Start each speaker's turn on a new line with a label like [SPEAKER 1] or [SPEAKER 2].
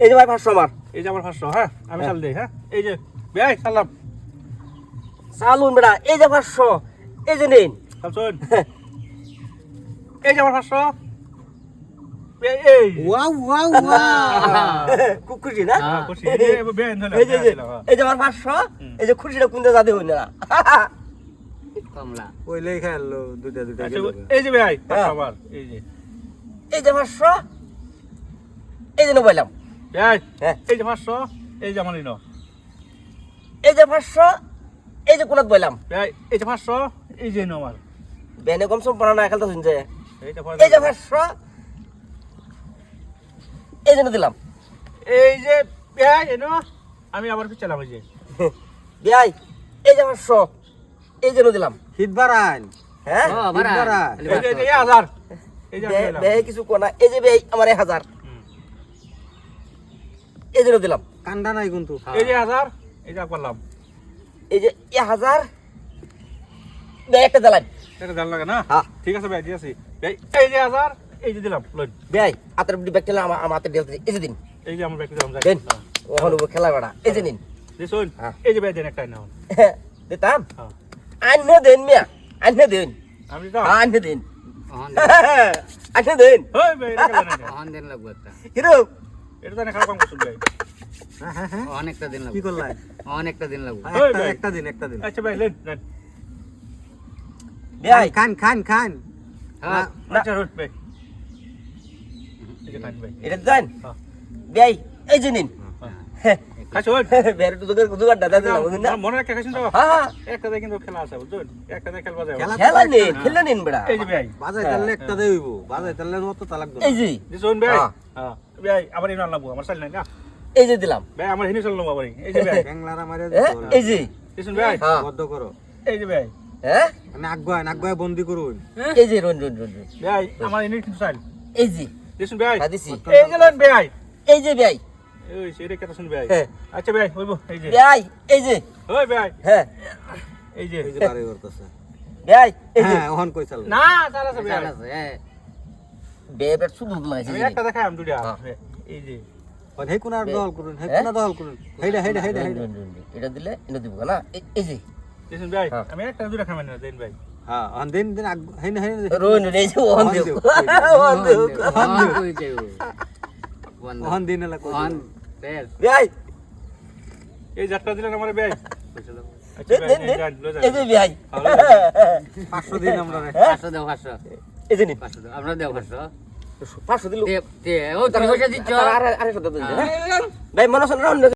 [SPEAKER 1] এই যে ভাই 500 আমার
[SPEAKER 2] এই যে আমার 500 হ্যাঁ আমি চাল দেই হ্যাঁ এই যে ভাই সালাম
[SPEAKER 1] চালুন বেটা এই যে 500 এই যে নিন
[SPEAKER 2] চল এই যে আমার 500 এই
[SPEAKER 3] ওয়াও ওয়াও ওয়াও
[SPEAKER 1] খুব খুশি না
[SPEAKER 2] খুশি এই যে বেন হলো
[SPEAKER 1] এই যে আমার 500 এই যে খুশিটা কোনটা জাদে হই না
[SPEAKER 4] কমলা
[SPEAKER 3] ওইলেই খেললো দুইটা
[SPEAKER 2] আচ্ছা এই যে ভাই আবার এই যে
[SPEAKER 1] 500 এই যে নবাইলাম
[SPEAKER 2] ভাই
[SPEAKER 1] হ্যাঁ
[SPEAKER 2] এই যে 500 এই যে আমার নিনো
[SPEAKER 1] এই যে 500 এই যে কোনাত বইলাম
[SPEAKER 2] ভাই এই যে 500 এই যে নিনো আমার
[SPEAKER 1] বেনে কম সম পড়া না খেলতে শুনছে
[SPEAKER 2] এইটা
[SPEAKER 1] এই যে 500 এই যে দিলাম
[SPEAKER 2] এই যে ভাই এনো আমি আবার পিছালাম এই যে
[SPEAKER 1] ভাই এই যে 500 এই যে দিলাম
[SPEAKER 3] হিট বাড়ান
[SPEAKER 1] হ্যাঁ
[SPEAKER 4] ও বারা
[SPEAKER 2] এই যে 1000 এই যে
[SPEAKER 1] বে কিছু কোনা এই যে ভাই আমার 1000 এই যে দিলাম
[SPEAKER 3] কান্দা নাই কিন্তু
[SPEAKER 2] এই যে 1000 এই যে করলাম
[SPEAKER 1] এই যে 1000 বে একটা দিলাম
[SPEAKER 2] এটা জান লাগে না
[SPEAKER 1] হ্যাঁ
[SPEAKER 2] ঠিক আছে ভাই দিয়েছি ভাই এই যে 1000 এই যে দিলাম লই
[SPEAKER 1] ভাই আতর ব্যাগটা আমার হাতে দিল এই যে দিন
[SPEAKER 2] এই যে আমার ব্যাগটা দিলাম
[SPEAKER 1] দেন ওহন খেলা বেড়া এই যে নিন
[SPEAKER 2] দিছুন
[SPEAKER 1] হ্যাঁ।
[SPEAKER 2] এই যে ভাই দেন একটা নাও
[SPEAKER 1] দিতাম
[SPEAKER 2] হ্যাঁ
[SPEAKER 1] আন্নে দেন মিয়া আন্নে দেন
[SPEAKER 2] আমি তো
[SPEAKER 1] আন্নে দেন
[SPEAKER 4] অহন
[SPEAKER 1] আন্নে দেন
[SPEAKER 2] ওই ভাই এটা কেন না
[SPEAKER 4] অহন দিন লাগবে একটা
[SPEAKER 1] হিরো
[SPEAKER 2] এটা তো না খারাপ কাম করছুন ভাই
[SPEAKER 3] হ্যাঁ হ্যাঁ হ্যাঁ
[SPEAKER 4] অহন একটা দিন
[SPEAKER 3] কি
[SPEAKER 4] লাগবে
[SPEAKER 3] করলাই
[SPEAKER 4] অহন একটা দিন লাগবে
[SPEAKER 2] ওই ভাই।
[SPEAKER 3] একটা দিন
[SPEAKER 2] আচ্ছা ভাই লেন লেন
[SPEAKER 1] ভাই
[SPEAKER 3] খান খান খান
[SPEAKER 4] হ্যাঁ
[SPEAKER 2] আচ্ছা রুট ভাই এই যে খান ভাই
[SPEAKER 1] এটা দেন
[SPEAKER 2] হ্যাঁ।
[SPEAKER 1] ভাই এই যে নিন
[SPEAKER 2] খাইছুন
[SPEAKER 1] বেরে তো জোগাড় দাদা দিলাম বুঝুন না
[SPEAKER 2] মনে রাখতে খাইছুন তো
[SPEAKER 1] হ্যাঁ
[SPEAKER 2] একটা দিয়ে কিন্তু খেলা আছে বুঝুন একটা দিয়ে খেলবা যাবে
[SPEAKER 3] খেলা
[SPEAKER 1] খেলা নিন খেলে নিন বেড়া
[SPEAKER 2] এই যে ভাই
[SPEAKER 3] বাজাই তাহলে একটা দেই হইব বাজাই তাহলে অত তালাক দাও
[SPEAKER 1] এই যে
[SPEAKER 2] দিছুন ভাই
[SPEAKER 1] হ্যাঁ।
[SPEAKER 2] হ্যাঁ ভাই আবার ইনাল লাগবো আমার চাল নাই না
[SPEAKER 1] এই যে দিলাম
[SPEAKER 2] ভাই আমার হিনি চল আবার এই যে ভাই
[SPEAKER 3] ব্যাংলারা মারে
[SPEAKER 1] এই যে
[SPEAKER 2] দিছুন ভাই
[SPEAKER 1] হ্যাঁ
[SPEAKER 3] বদ্ধ করো
[SPEAKER 2] এই যে ভাই
[SPEAKER 1] হ্যাঁ
[SPEAKER 3] নাগবায় বন্দি করুন
[SPEAKER 1] এই যে রন রন রন রন।
[SPEAKER 2] ভাই আমার হিনি কিন্তু চাল
[SPEAKER 1] এই যে
[SPEAKER 2] দিছুন ভাই
[SPEAKER 1] খাদিছি
[SPEAKER 2] এই যে লন ভাই
[SPEAKER 1] এই যে ভাই
[SPEAKER 2] ওই সেটা কথা শুন ভাই
[SPEAKER 1] হ্যাঁ।
[SPEAKER 2] আচ্ছা ভাই হইবো এই যে
[SPEAKER 1] ভাই এই যে
[SPEAKER 2] ওই ভাই
[SPEAKER 1] হ্যাঁ
[SPEAKER 2] এই যে
[SPEAKER 3] এই যে বাড়ি করতেছে
[SPEAKER 1] ভাই এই যে
[SPEAKER 3] হ্যাঁ ওহন কই চাল
[SPEAKER 2] না চাল আছে ভাই
[SPEAKER 4] চাল আছে হ্যাঁ
[SPEAKER 1] বেবের শুধু লাগাইছে
[SPEAKER 2] আমি একটা দেখাই আমি দুইটা
[SPEAKER 1] হ্যাঁ।
[SPEAKER 2] এই যে
[SPEAKER 3] হে কোনার দল করুন হে কোনা দল করুন হেডা হেডা হেডা হেডা
[SPEAKER 1] এটা দিলে এটা দিব না এই যে
[SPEAKER 2] দিছুন ভাই
[SPEAKER 1] হ্যাঁ।
[SPEAKER 2] আমি একটা দুইটা খাই না দেন ভাই
[SPEAKER 3] হ্যাঁ অন দিন দিন হেন হেন
[SPEAKER 1] রন এই যে ওহন দেব ওহন দেব
[SPEAKER 4] অহন কই যাইব
[SPEAKER 3] ওহন দিন এলা কই
[SPEAKER 4] অহন তেল
[SPEAKER 1] ভাই
[SPEAKER 2] এই যাত্রা দিলেন আমার ভাই আচ্ছা
[SPEAKER 1] দেন
[SPEAKER 2] ভাই
[SPEAKER 1] দেন দেন
[SPEAKER 2] যান লয়ে
[SPEAKER 1] এই যে ভাই
[SPEAKER 3] 500 দিন আমরা
[SPEAKER 4] 500 দাও 500
[SPEAKER 1] এই যে নিন
[SPEAKER 4] 500 দাও আমরা দেও 500
[SPEAKER 1] 500 দিল
[SPEAKER 4] দে দে ও তুমি পয়সা দিচ্ছ
[SPEAKER 1] আরে আরে ভাই মনে হচ্ছে